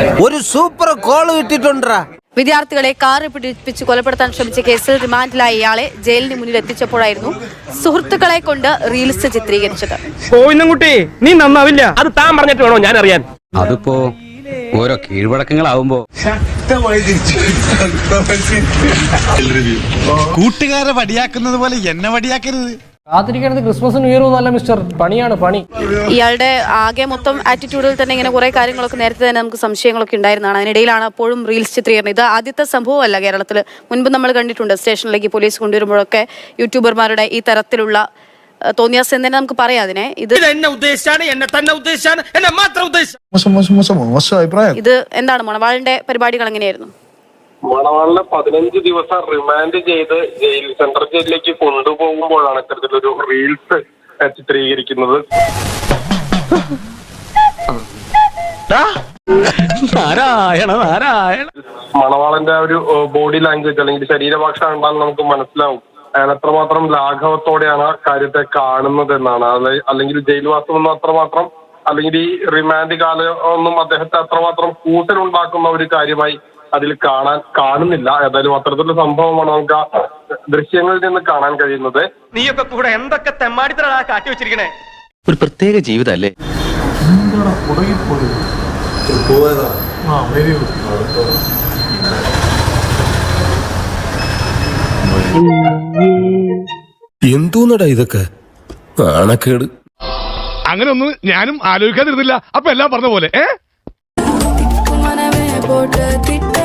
ഒരു super call കിട്ടിട്ടുണ്ടാ. വിദ്യാർത്ഥികളെ car പിടിപ്പിച്ച് കൊലപ്പെടുത്താൻ ശ്രമിച്ച കേസിൽ റിമാൻഡിലായ ഇയാളെ ജയിലിന് മുന്നിൽ എത്തിച്ചപ്പോഴായിരുന്നു സുഹൃത്തുക്കളെ കൊണ്ട് റീൽസ് ചിത്രീകരിച്ചത്. കുട്ടി നീ നന്നാവില്ല, അത് താൻ പറഞ്ഞിട്ട് വേണോ ഞാൻ അറിയാൻ. അതിപ്പോ ഓരോ കീഴ്വഴക്കങ്ങളാവുമ്പോ കൂട്ടുകാരെ വടിയാക്കുന്നത് പോലെ എന്നെ വടിയാക്കരുത്. കാത്തിരിക്കുന്നത് ക്രിസ്മസ് ന്യൂ ഇയർ ഒന്നല്ല മിസ്റ്റർ, പണിയാണ് പണി. ഇയാളുടെ ആകെ മൊത്തം ആറ്റിറ്റ്യൂഡിൽ തന്നെ ഇങ്ങനെ കുറെ കാര്യങ്ങളൊക്കെ നേരത്തെ തന്നെ നമുക്ക് സംശയങ്ങളൊക്കെ ഉണ്ടായിരുന്നതാണ്. അതിനിടയിലാണ് അപ്പോഴും റീൽസ് ചിത്രീകരണം. ഇത് ആദ്യത്തെ സംഭവമല്ല കേരളത്തിൽ. മുൻപ് നമ്മൾ കണ്ടിട്ടുണ്ട് സ്റ്റേഷനിലേക്ക് പോലീസ് കൊണ്ടുവരുമ്പോഴൊക്കെ യൂട്യൂബർമാരുടെ ഈ തരത്തിലുള്ള തോന്നിയാസം എന്ന് തന്നെ നമുക്ക് പറയാം അതിനെ. ഇത് ഇത് എന്താണ് മണവാളിന്റെ പരിപാടികൾ എങ്ങനെയായിരുന്നു? മണവാളിനെ 15 ദിവസം റിമാൻഡ് ചെയ്ത് സെൻട്രൽ ജയിലിലേക്ക് കൊണ്ടുപോകുമ്പോഴാണ് ഇത്തരത്തിലൊരു റീൽസ് ചിത്രീകരിക്കുന്നത്. മണവാളന്റെ ഒരു ബോഡി ലാംഗ്വേജ് അല്ലെങ്കിൽ ശരീരഭാഷ കണ്ടാൽ നമുക്ക് മനസ്സിലാവും അയാൾ എത്രമാത്രം ലാഘവത്തോടെയാണ് കാര്യത്തെ കാണുന്നത് എന്നാണ്. അല്ലെങ്കിൽ ജയിൽവാസം ഒന്നും അത്രമാത്രം, അല്ലെങ്കിൽ ഈ റിമാൻഡ് കാലം ഒന്നും അദ്ദേഹത്തെ അത്രമാത്രം കൂട്ടലുണ്ടാക്കുന്ന ഒരു കാര്യമായി അതിൽ കാണുന്നില്ല. ഏതായാലും അത്തരത്തിലുള്ള സംഭവമാണ് നമുക്ക് ആ ദൃശ്യങ്ങളിൽ നിന്ന് കാണാൻ കഴിയുന്നത്. നീയൊക്കെ കൂടെ എന്തൊക്കെ തെമ്മാടിത്തരാ കാട്ടി വെച്ചിരിക്കണേ. ഒരു പ്രത്യേക ജീവിതല്ലേ. എന്തോന്നടാ ഇതൊക്കെ നാണക്കേട്. അങ്ങനെ ഒന്നും ഞാനും ആലോചിക്കാതിരുന്നില്ല. അപ്പൊ എല്ലാം പറഞ്ഞ പോലെ